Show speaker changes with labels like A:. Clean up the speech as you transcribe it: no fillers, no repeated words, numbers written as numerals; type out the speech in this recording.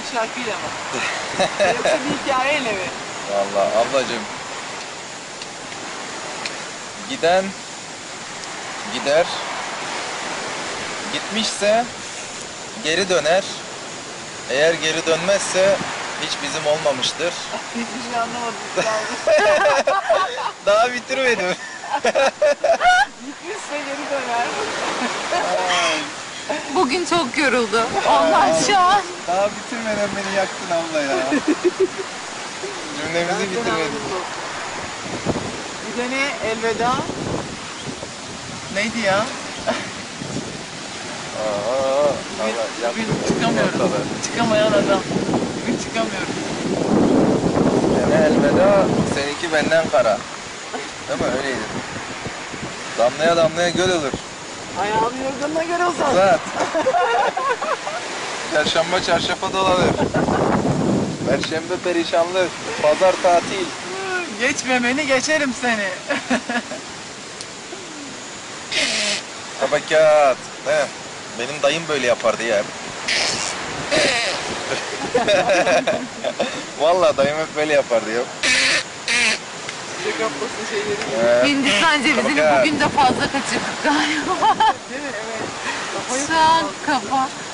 A: şarkıyla mı? Yoksa bir hikayeyle mi?
B: Vallahi ablacığım. Giden gider. Gitmişse geri döner. Eğer geri dönmezse hiç bizim olmamıştır.
A: Hiçbir şey anlamadım.
B: Daha bitirmedim.
A: Gitmişse geri döner.
C: Bugün çok yoruldu. Ondan şu an.
B: Daha bitirmeden beni yaktın abla ya. Cümlemizi bitirmedik.
A: Gidene elveda. Neydi ya? Bugün çıkamıyorum. Çıkamayan adam. Bugün çıkamıyorum.
B: Gene elveda, seninki benden kara. Değil mi? Öyleydi. Damlaya damlaya göl olur.
A: Ayağını yorganına göre uzat.
B: Uzat. Çarşamba çarşafa dolanır. Perşembe perişanlık. Pazar tatil.
A: Geçmemeni geçerim seni.
B: Tabakat. He. Benim dayım böyle yapardı ya. Vallahi dayım hep böyle yapardı ya.
A: Size kaplasın şeyleri.
C: Hindistan cevizini
B: Tabakat.
C: bugün de fazla kaçırdık galiba.
A: Değil mi? Evet. Kafayı
C: Şu an kafa.